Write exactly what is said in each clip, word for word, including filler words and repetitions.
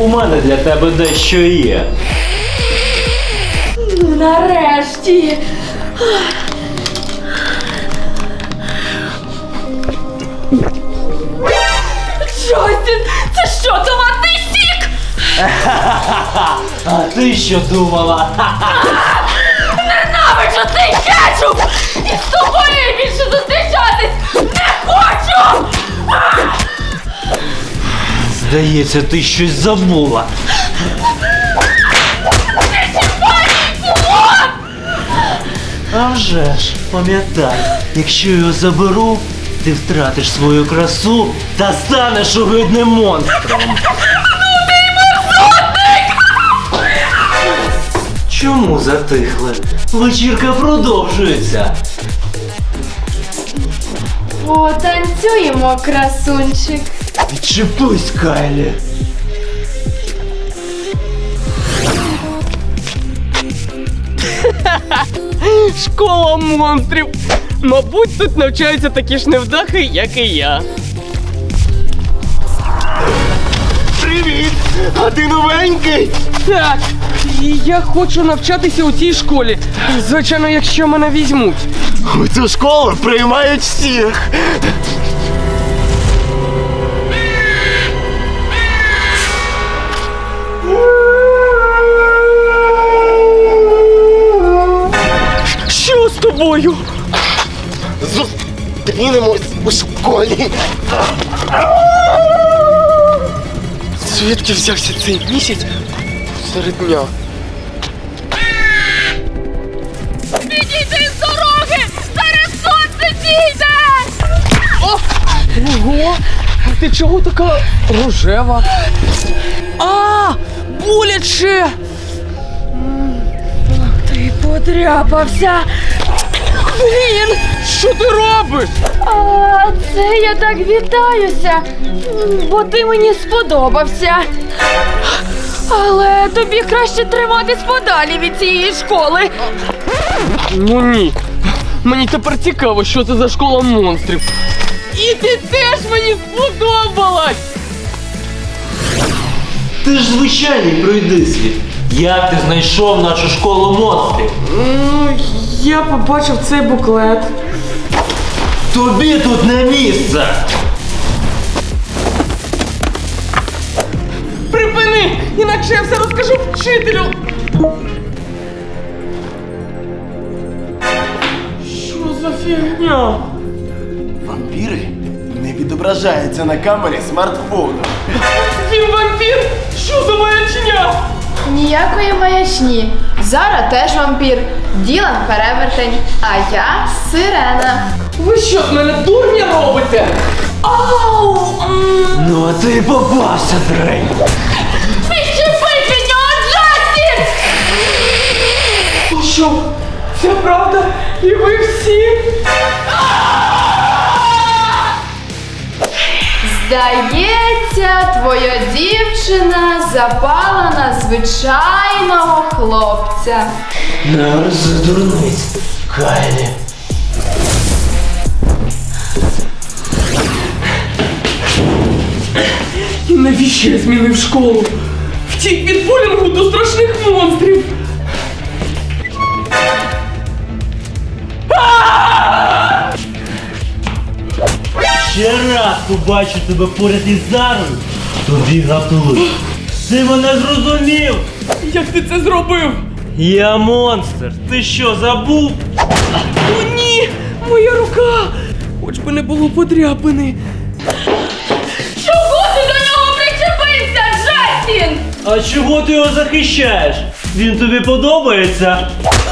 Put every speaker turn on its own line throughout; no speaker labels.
у мене для тебе дещо є.
Ну, нарешті. Джастін, це що, томатний сік?
А ти що думала?
Ненавиджу цей кетчуп! І з тобою більше зустрічатись не хочу!
Здається, ти щось забула. А вже ж, пам'ятай, якщо його заберу, ти втратиш свою красу та станеш огидним монстром.
Ну ти й мерзотник!
Чому затихли? Вечірка продовжується.
Потанцюємо, красунчик.
Відчепись, Кайлі.
Школа монстрів! Мабуть, тут навчаються такі ж невдахи, як і я.
Привіт! А ти новенький?
Так, і я хочу навчатися у цій школі. Звичайно, якщо мене візьмуть.
У цю школу приймають всіх.
Що з тобою?
Зустрінемось у школі. Звідки взявся цей місяць серед дня?
Підійди з дороги! Зараз сонце зійде!
Ого! Ти чого така рожева? А, боляче!
Ти подряпався!
Блін, що ти робиш?
А це я так вітаюся, бо ти мені сподобався. Але тобі краще триматись подалі від цієї школи.
Ну ні. Мені тепер цікаво, що це за школа монстрів. І ти теж мені сподобалась!
Ти ж звичайний пройдисвіт. Як ти знайшов нашу школу монстрів?
Ну, я побачив цей буклет.
Тобі тут не місце!
Припини! Інакше я все розкажу вчителю! Що за фігня?
Вампіри не відображаються на камері смартфону.
Він вампір? Що за маячня?
Ніякої маячні. Зара теж вампір, Ділан перевертень, а я сирена.
Ви що, з мене дурня робите? Ау! М.
Ну а ти попався, Дрейк!
Відчепись від нього, Джастін!
Що? Це правда? І ви всі?
Здається, твоя дівчина запала на звичайного хлопця.
Не рози дурниць, Кайлі.
І навіщо я змінив школу? Втік від булінгу до страшних монстрів.
Ще раз побачу тебе поряд із Зарою, тобі гаплик. Ти мене зрозумів?
Як ти це зробив?
Я монстр. Ти що, забув?
О, ні! Моя рука! Хоч би не було подряпини.
Чого ти до нього причепився, Джастін?
А чого ти його захищаєш? Він тобі подобається?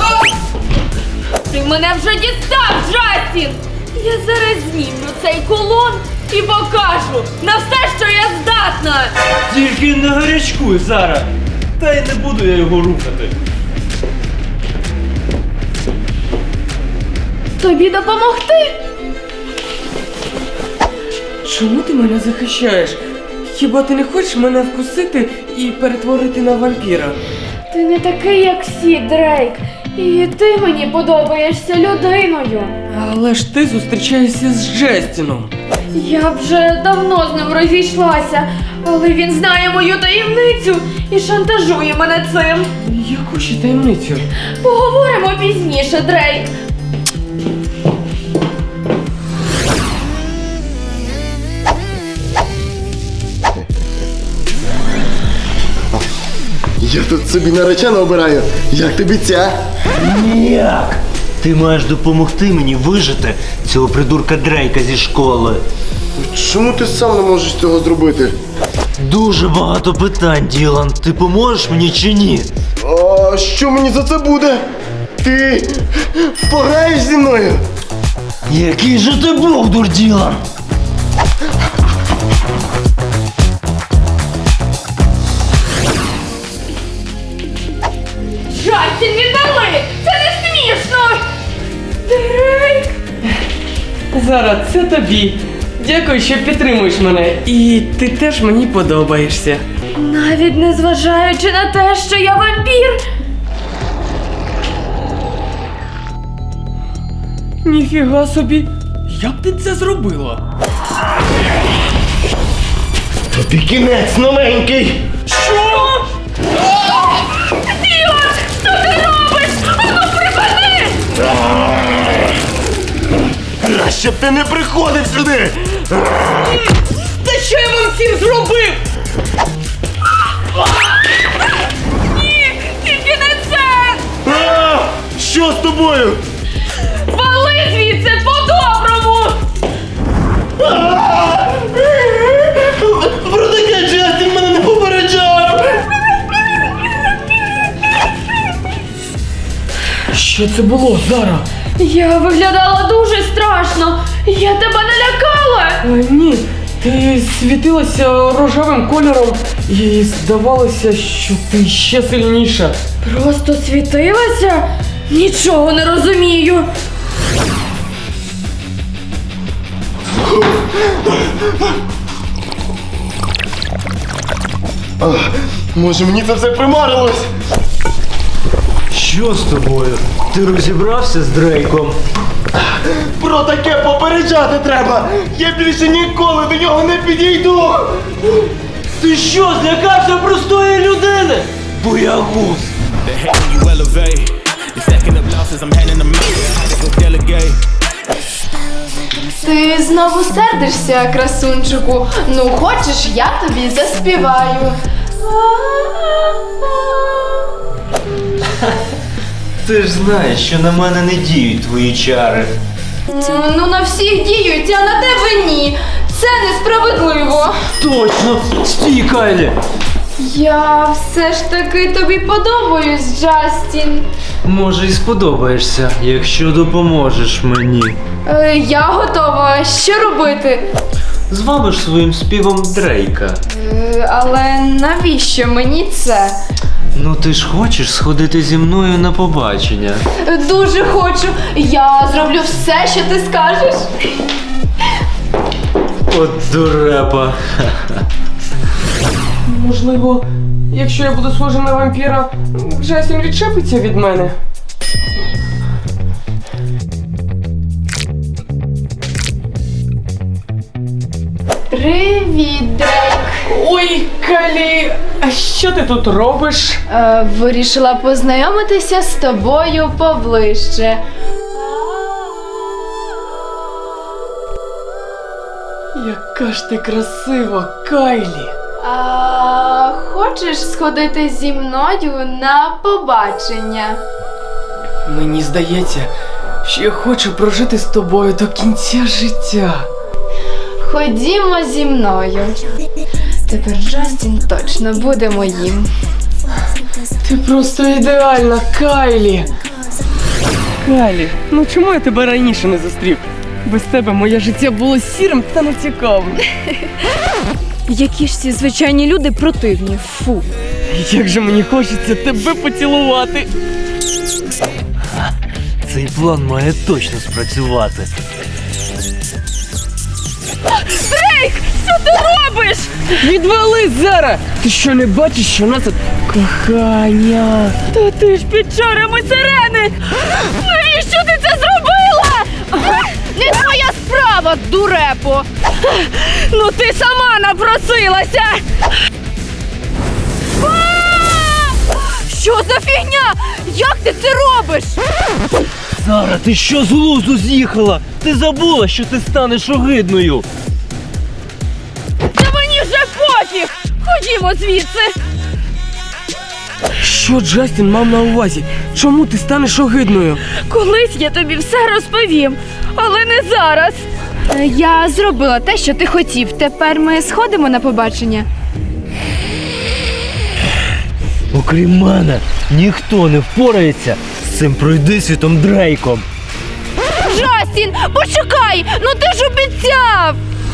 Ти мене вже дістав, Джастін! Я зараз знімлю цей кулон і покажу на все, що я здатна!
Тільки не гарячкуй, Зара. Та й не буду я його рухати.
Тобі допомогти?
Чому ти мене захищаєш? Хіба ти не хочеш мене вкусити і перетворити на вампіра?
Ти не такий, як всі, Дрейк. І ти мені подобаєшся людиною.
Але ж ти зустрічаєшся з Джастіном.
Я вже давно з ним розійшлася, але він знає мою таємницю і шантажує мене цим.
Яку ще таємницю?
Поговоримо пізніше, Дрейк.
Я тут собі наречену обираю. Як тобі ця?
Ніяк. Ти маєш допомогти мені вижити цього придурка Дрейка зі школи.
Чому ти сам не можеш цього зробити?
Дуже багато питань, Ділан. Ти поможеш мені чи ні?
А що мені за це буде? Ти пограєш зі мною?
Який же ти бовдур, Ділан?
Джастін, віддали! Це не смішно! Дрейк!
Зараз це тобі. Дякую, що підтримуєш мене. І ти теж мені подобаєшся.
Навіть не зважаючи на те, що я вампір.
Ніфіга собі. Як ти це зробила?
Тобі кінець новенький!
Що?
Ділан, що ти робиш? Ану, припини!
Краще б ти не приходив сюди!
Та що я вам всім зробив?
Ні, тільки не це!
А, що з тобою?
Вали звідси по-доброму!
Про таке Джастін мене не попереджав!
Що це було, Зара?
Я виглядала дуже страшно. Я тебе налякала.
Е, ні, ти світилася рожевим кольором і здавалося, що ти ще сильніша.
Просто світилася? Нічого не розумію.
Може мені це все примарилось?
Що з тобою? Ти розібрався з Дрейком?
Про таке попереджати треба! Я більше ніколи до нього не підійду!
Ти що, злякався простої людини? Боягуз!
The hate when you elevate. You're stacking up losses, I'm handing them out. I had to go delegate.
Ти знову сердишся, красунчику. Ну, хочеш, я тобі заспіваю.
Ти ж знаєш, що на мене не діють твої чари.
Ну, на всіх діють, а на тебе ні. Це несправедливо.
Точно! Стій, Кайлі!
Я все ж таки тобі подобаюсь, Джастін.
Може, і сподобаєшся, якщо допоможеш мені.
Е, я готова. Що робити?
Звабиш своїм співом Дрейка.
Е, але навіщо мені це?
Ну ти ж хочеш сходити зі мною на побачення.
Е, Дуже хочу. Я зроблю все, що ти скажеш.
От дурепа.
Можливо, якщо я буду схожий на вампіра, Джастін відчепиться від мене.
Привіт, Дрейк.
Ой, Калі, а що ти тут робиш?
Е, вирішила познайомитися з тобою поближче.
Яка ж ти красива, Кайлі.
А хочеш сходити зі мною на побачення?
Мені здається, що я хочу прожити з тобою до кінця життя.
Ходімо зі мною. Тепер Джастін точно буде моїм.
Ти просто ідеальна, Кайлі. Кайлі, ну чому я тебе раніше не зустрів? Без тебе моє життя було сірим та нецікавим.
Які ж ці звичайні люди противні. Фу.
Як же мені хочеться тебе поцілувати.
Цей план має точно спрацювати.
Дрейк, що ти робиш?
Відвали, Зара! Ти що, не бачиш, що нас тут кохання?
Та ти ж під чарами сирени. Навіщо ти це зробила? Не твоя справа. права, дурепо! Ну ти сама напросилася! А! Що за фігня? Як ти це робиш?
Зара, ти що з глузду з'їхала? Ти забула, що ти станеш огидною.
Та мені вже пофіг! Ходімо звідси!
Що Джастін мав на увазі? Чому ти станеш огидною?
Колись я тобі все розповім, але не зараз.
Я зробила те, що ти хотів. Тепер ми сходимо на побачення.
Окрім мене, ніхто не впорається з цим пройдисвітом Дрейком.
Джастін, почекай! Ну ти ж обіцяв!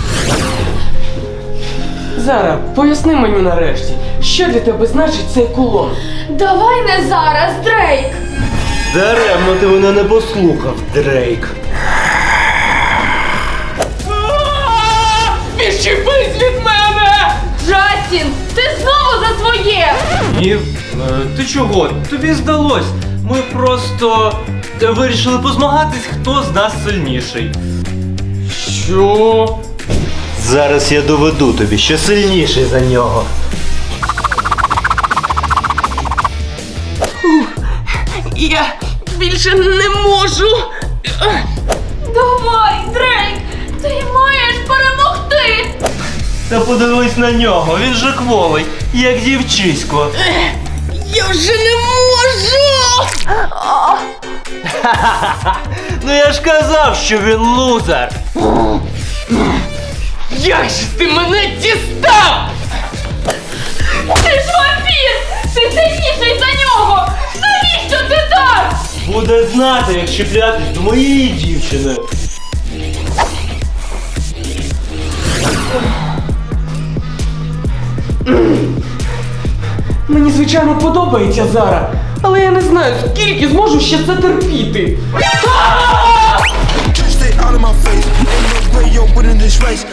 Зара, поясни мені нарешті, що для тебе значить цей кулон?
Давай не зараз, Дрейк!
Даремно ти мене не послухав, Дрейк.
Відчепись від мене!
Джастін, ти знову за своє!
Ні, е, ти чого? Тобі здалось. Ми просто е, вирішили позмагатись, хто з нас сильніший.
Що?
Зараз я доведу тобі, що сильніший за нього.
Я більше не можу.
Давай, Дрейк! Ти маєш перемогти!
Та подивись на нього, він же кволий, як дівчисько.
Я вже не можу!
Ну я ж казав, що він лузер.
Як же ти мене дістав?
Ти ж вампір! Ти сильніший за нього! Навіщо ти так?
Буде знати, як чіплятись до моєї дівчини.
Мені, звичайно, подобається Зара, але я не знаю, скільки зможу ще це терпіти.
Stay out of my face. Ain't no way you're winning this race.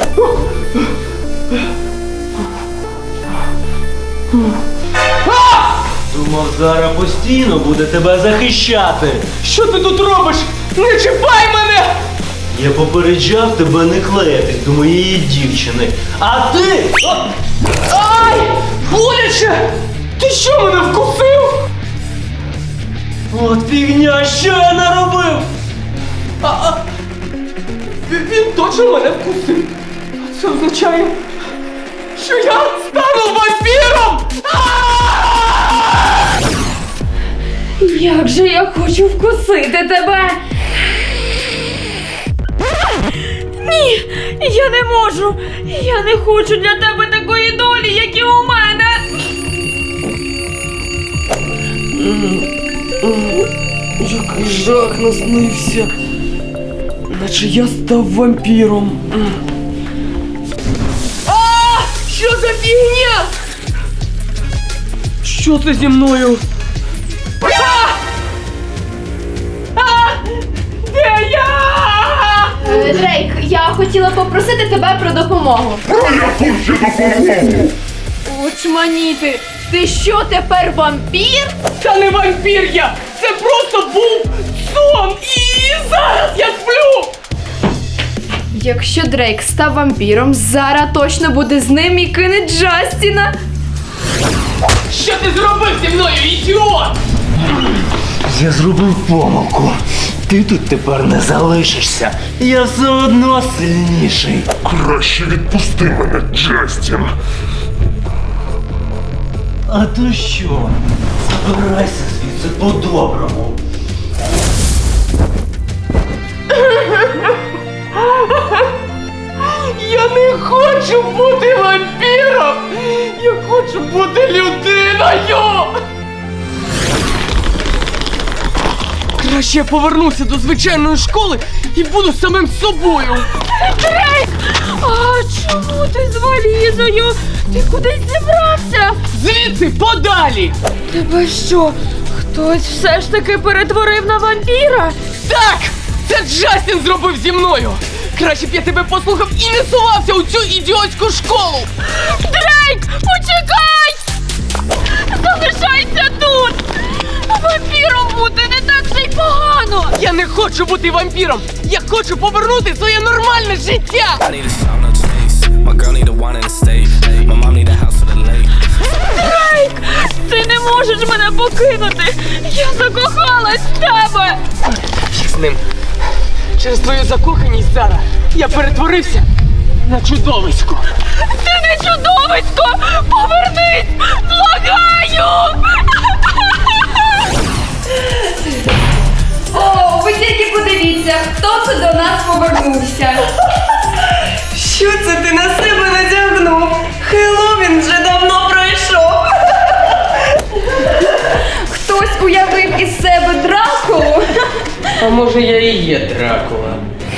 Думав, Зара постійно буде тебе захищати.
Що ти тут робиш? Не чіпай мене!
Я попереджав тебе не клеїтись до моєї дівчини. А ти... О!
Ай! Боляче! Ти що, мене вкусив?
От фігня, що я наробив?
А, а, він- він точно мене вкусив. А це означає, що я стану вампіром!
Як же я хочу вкусити тебе! Ні, я не можу! Я не хочу для тебе такої долі, як і у мене!
Який жах наснився. Наче я став вампіром. А! Що за фігня? Що це зі мною? А! А! Де я?
Е, Дрейк, я хотіла попросити тебе про допомогу.
Очманіти! Ти що, тепер вампір?
Та не вампір я! Це просто був сон! І зараз я сплю!
Якщо Дрейк став вампіром, Зара точно буде з ним і кине Джастіна.
Що ти зробив зі мною, ідіот?
Я зробив помилку. Ти тут тепер не залишишся. Я все одно сильніший.
Краще відпусти мене, Джастін.
А то що? Забирайся звідси по-доброму.
Я не хочу бути вампіром! Я хочу бути людиною! Краще я повернуся до звичайної школи і буду самим собою!
Дрейк! А чому ти з валізою? Ти кудись зібрався?
Звідси подалі!
Тебе що, хтось все ж таки перетворив на вампіра?
Так! Це Джастін зробив зі мною! Краще б я тебе послухав і не сувався у цю ідіотську школу!
Дрейк, почекай! Залишайся тут! Вампіром бути не так вже й погано!
Я не хочу бути вампіром! Я хочу повернути своє нормальне життя!
I need a sound, no chase. My girl need a wine in the state. My mom need a house for the lake.
Дрейк! Ти не можеш мене покинути! Я закохалась в тебе!
Фіг з ним. Через твою закоханість, Зара, я перетворився на чудовисько.
Ти не чудовисько! Повернись! Благаю!
О, ви тільки подивіться, хто це до нас повернувся.
Що це ти на себе надягнув? Хеллоуін вже давно пройшов.
Хтось уявив із себе Дракулу.
А може я і є Дракула?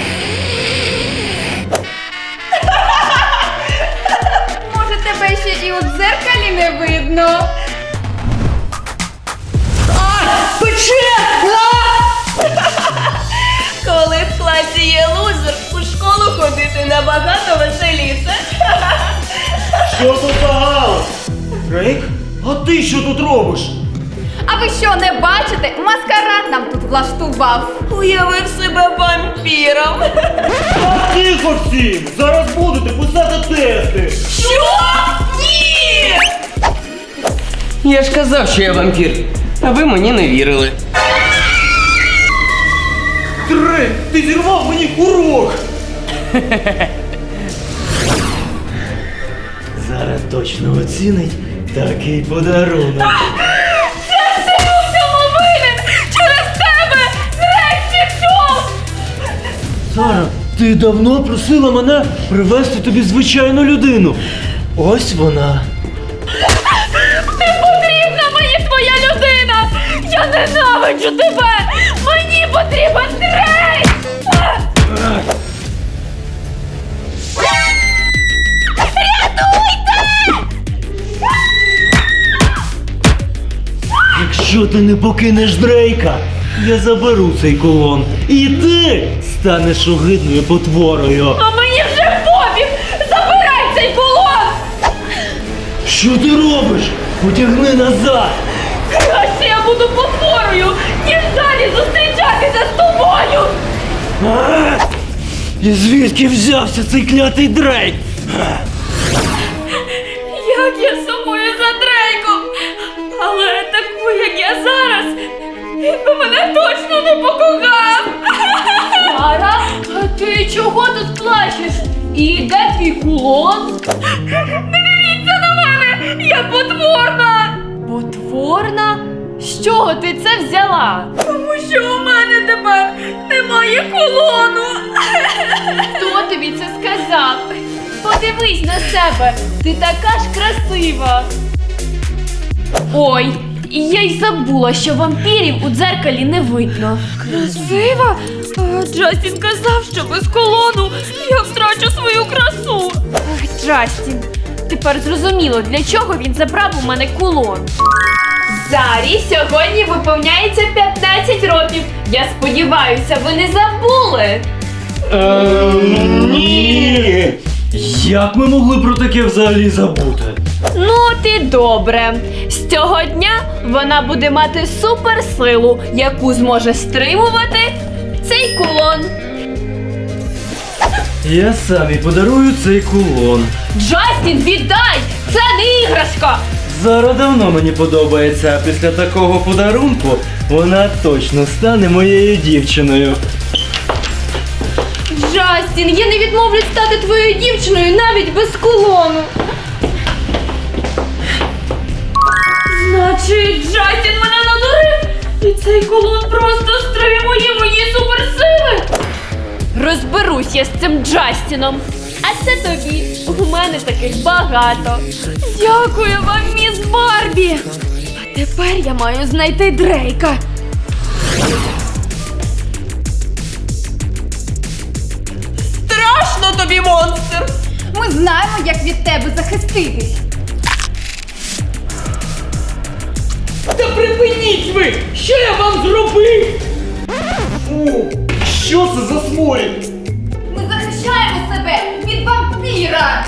Може, тебе ще і у дзеркалі не видно.
Коли в класі є лузер, у школу ходити набагато веселіше.
Що тут за галас? Дрейк? А ти що тут робиш?
А ви що, не бачите? Маскарад нам тут влаштував.
Уявив себе вампіром.
А тихо всім! Зараз будете писати тести!
Що? Ні!
Я ж казав, що я вампір, а ви мені не вірили.
Дрейк, ти зірвав мені урок!
Зараз точно оцінить такий подарунок.
Це ти у всьому винен! Через тебе Дрейк пішов!
Сара, ти давно просила мене привезти тобі звичайну людину. Ось вона.
Не потрібна мені твоя людина! Я ненавиджу тебе! Мені потрібен Дрейк!
Якщо ти не покинеш Дрейка, я заберу цей кулон. І ти станеш огидною потворою.
А мені вже пофіг! Забирай цей кулон!
Що ти робиш? Потягни назад.
Краще я буду потворою, ніж далі зустрічатися з тобою!
А? І звідки взявся цей клятий Дрейк?
Як я сумую за Дрейком! Але таку, як я зараз, він би мене точно не покохав! Сара, а ти чого тут плачеш? І де твій кулон? Не дивіться на мене! Я потворна! Потворна? З чого ти це взяла? Тому що у мене тепер немає кулону! Хто тобі це сказав? Подивись на себе, ти така ж красива. Ой, і я й забула, що вампірів у дзеркалі не видно. Красива? А, Джастін казав, що без колону я втрачу свою красу. Ах, Джастін, тепер зрозуміло, для чого він забрав у мене кулон. Зарі сьогодні виповняється п'ятнадцять років. Я сподіваюся, ви не забули.
Ем, ні. Як ми могли про таке взагалі забути?
Ну, ти добре. З цього дня вона буде мати суперсилу, яку зможе стримувати цей кулон.
Я сам і подарую цей кулон.
Джастін, віддай! Це не іграшка!
Зара давно мені подобається, а після такого подарунку вона точно стане моєю дівчиною.
Джастін, я не відмовлюсь стати твоєю дівчиною навіть без кулону. Значить, Джастін мене надурив, і цей кулон просто стримує мої суперсили. Розберусь я з цим Джастіном. А це тобі. У мене таких багато. Дякую вам, міс Барбі. А тепер я маю знайти Дрейка. Страшно тобі, монстр!
Ми знаємо, як від тебе захиститись.
Та припиніть ви! Що я вам зробив?
Фу, що це за сморід?
Ми захищаємо себе від вампіра.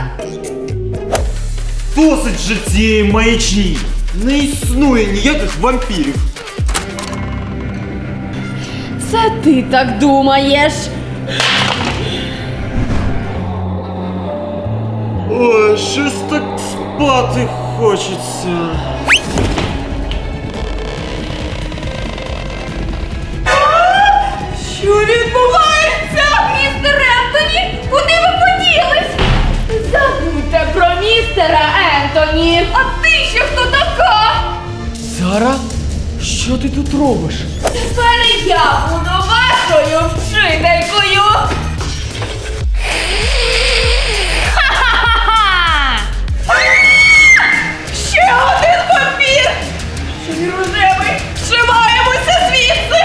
Досить же цієї маячні! Не існує ніяких вампірів!
Це ти так думаєш?
Ой, щось так спати хочеться.
Що відбувається? Містер Ентоні, куди ви поділись? Забудьте про містера Ентоні. А ти ще хто така?
Зара, що ти тут робиш?
Тепер я буду вашою вчителькою. Ха-ха-ха! Ще один папір! Ще й рожевий! Вшиваємося звідси!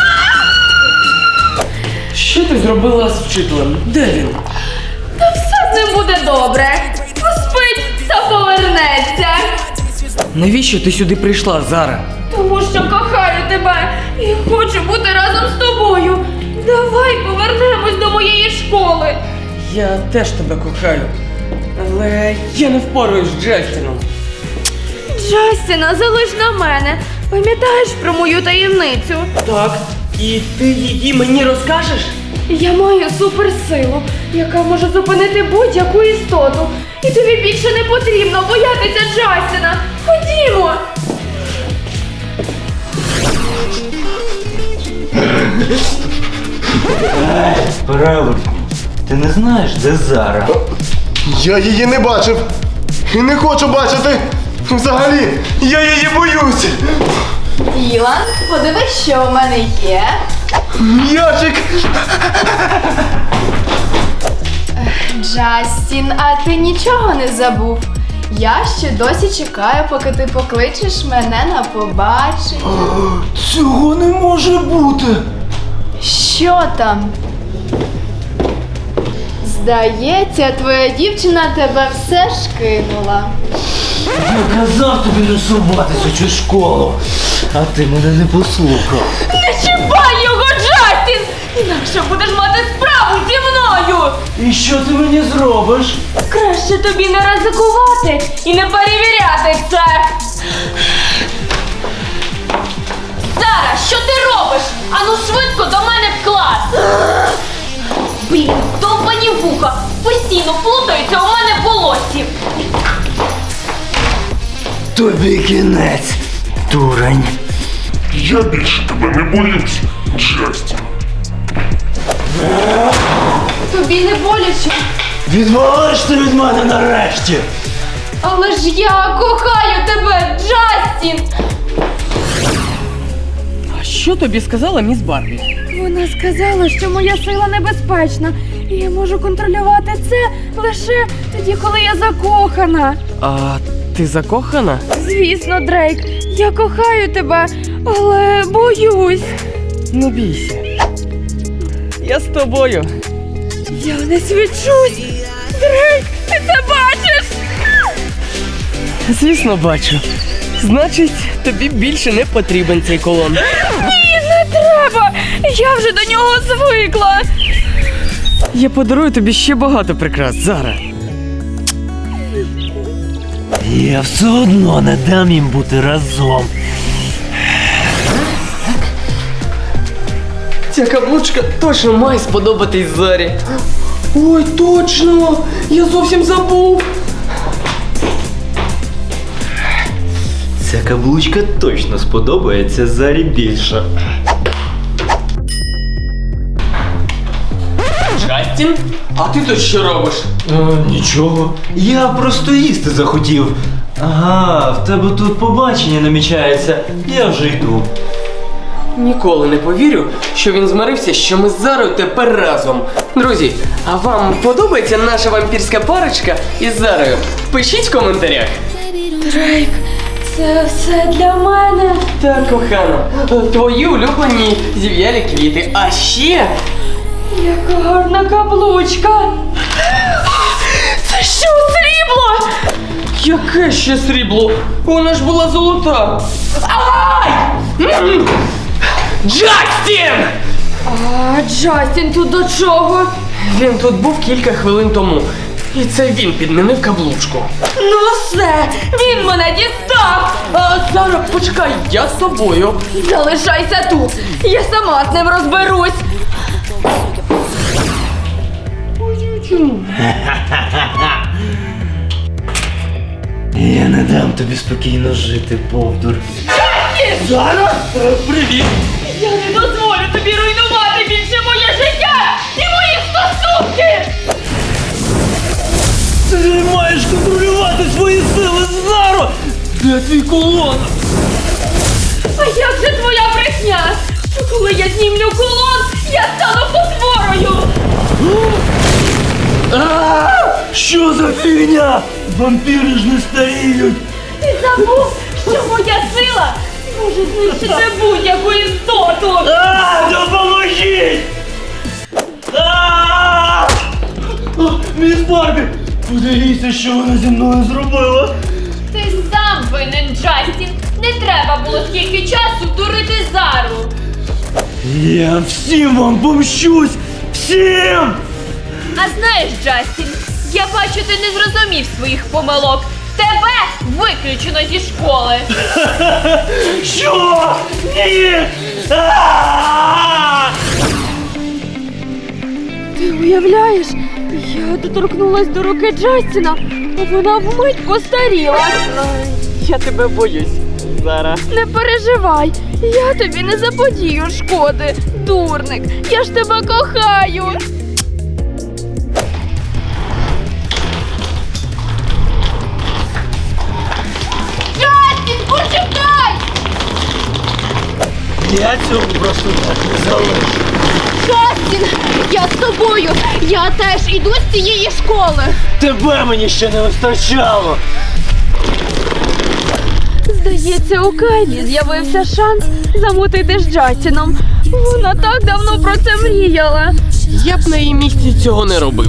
Що ти зробила з вчителем? Де він?
Та все з ним буде добре. Поспить та повернеться.
Навіщо ти сюди прийшла, Зара?
Тому що кохаю тебе і хочу бути разом з тобою. Давай повернемось до моєї школи.
Я теж тебе кохаю. Але я не впораюсь з Джастіном.
Джастіна, залиш на мене. Пам'ятаєш про мою таємницю?
Так, і ти її мені розкажеш?
Я маю суперсилу, яка може зупинити будь-яку істоту. І тобі більше не потрібно боятися Джастіна. Ходімо!
Правильно. Ти не знаєш, де Зара?
Я її не бачив. І не хочу бачити. Взагалі, я її боюсь.
Ілан, подивись, що у мене є.
М'ячик.
Джастін, а ти нічого не забув? Я ще досі чекаю, поки ти покличеш мене на побачення.
Цього не може бути.
Що там? Здається, твоя дівчина тебе все ж кинула.
Я казав тобі не суватись у цю школу, а ти мене не послухав.
Не чіпай його, Джастін! Інакше будеш мати справу зі мною!
І що ти мені зробиш?
Краще тобі не ризикувати і не перевіряти це! Сара, що ти робиш? Ану швидко до мене в клас! Блін, довбані вуха! Постійно плутаються у мене в волосі!
Тобі кінець, дурень.
Я більше тебе не боюсь, Джастін.
Тобі не боляче.
Відвалиш ти від мене нарешті!
Але ж я кохаю тебе, Джастін!
А що тобі сказала міс Барбі?
Вона сказала, що моя сила небезпечна, і я можу контролювати це лише тоді, коли я закохана.
А ти закохана?
Звісно, Дрейк, я кохаю тебе, але боюсь.
Не бійся. Я з тобою.
Я не свідчусь. Дрейк, ти це бачиш?
Звісно, бачу. Значить, тобі більше не потрібен цей колон.
Ні, не треба. Я вже до нього звикла.
Я подарую тобі ще багато прикрас, Зара.
Я все одно не дам їм бути разом.
Ця каблучка точно має сподобатись Зарі. Ой, точно! Я зовсім забув.
Ця каблучка точно сподобається Зарі більше.
Джастін? А ти тут що робиш?
Е, нічого. Я просто їсти захотів. Ага, в тебе тут побачення намічається. Я вже йду.
Ніколи не повірю, що він змирився, що ми з Зарою тепер разом. Друзі, а вам подобається наша вампірська парочка із Зарою? Пишіть в коментарях.
Дрейк, це все для мене.
Так, кохана, твої улюблені зів'ялі квіти. А ще...
Яка гарна каблучка. Це що, срібло?
Яке ще срібло? Вона ж була золота. Ай! М! Джастін!
А Джастін тут до чого?
Він тут був кілька хвилин тому. І це він підмінив каблучку.
Ну все, він мене дістав!
А зараз почекай, я з тобою.
Залишайся тут, я сама з ним розберусь.
Я не дам тобі спокійно жити, Бовдур. Зараз? Привіт!
Я не дозволю тобі руйнувати більше моє життя і мої стосунки!
Ти маєш контролювати свої сили, Заро! Де твій кулон?
А як же твоя брехня? Що коли я знімлю кулон, я стану потворою!
А! Що за фігня? Вампіри ж не старіють!
Ти забув, що моя сила може знищити будь-яку істоту!
А, допоможіть! А! О, Міс Барбі! Подивіться, що вона зі мною зробила!
Ти сам винен, Джастін. Не треба було скільки часу дурити Зару.
Я всім вам помщусь! Всім!
А знаєш, Джастін, я бачу, ти не зрозумів своїх помилок. Тебе виключено зі школи.
Що? Ні! А!
Ти уявляєш, я доторкнулась до руки Джастіна, а вона вмить постаріла.
Я тебе боюсь, Зара.
Не переживай, я тобі не заподію шкоди, дурник. Я ж тебе кохаю. Джастін, почекай!
Я цього просто так не залишу.
Джастін, я з тобою. Я теж іду з цієї школи.
Тебе мені ще не вистачало.
Здається, у Кайлі з'явився шанс замутити з Джастіном. Вона так давно про це мріяла.
Я б на її місці цього не робив.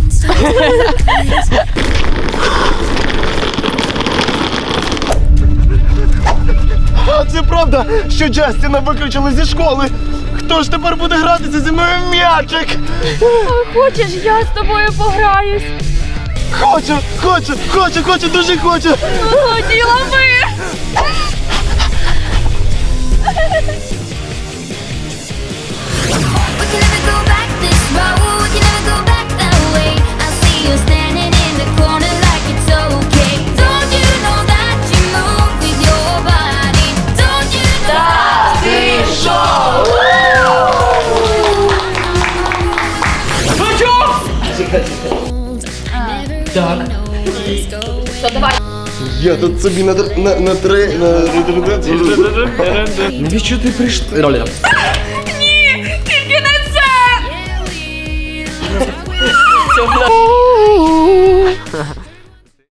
А це правда, що Джастіна виключили зі школи? Хто ж тепер буде гратися зі мною в м'ячик?
А хочеш, я з тобою пограюсь?
Хочу, хочу, хочу, хочу, дуже хочу.
Годі лови!
We can never go back this road. We can never go back that way. I see you standing in the corner like it's okay. Don't you know that you move with your body? Don't you know?
Так.
Я тут собі на, тр- на, на три... На...
Навіщо ти прийшла?
Ні, тільки не це!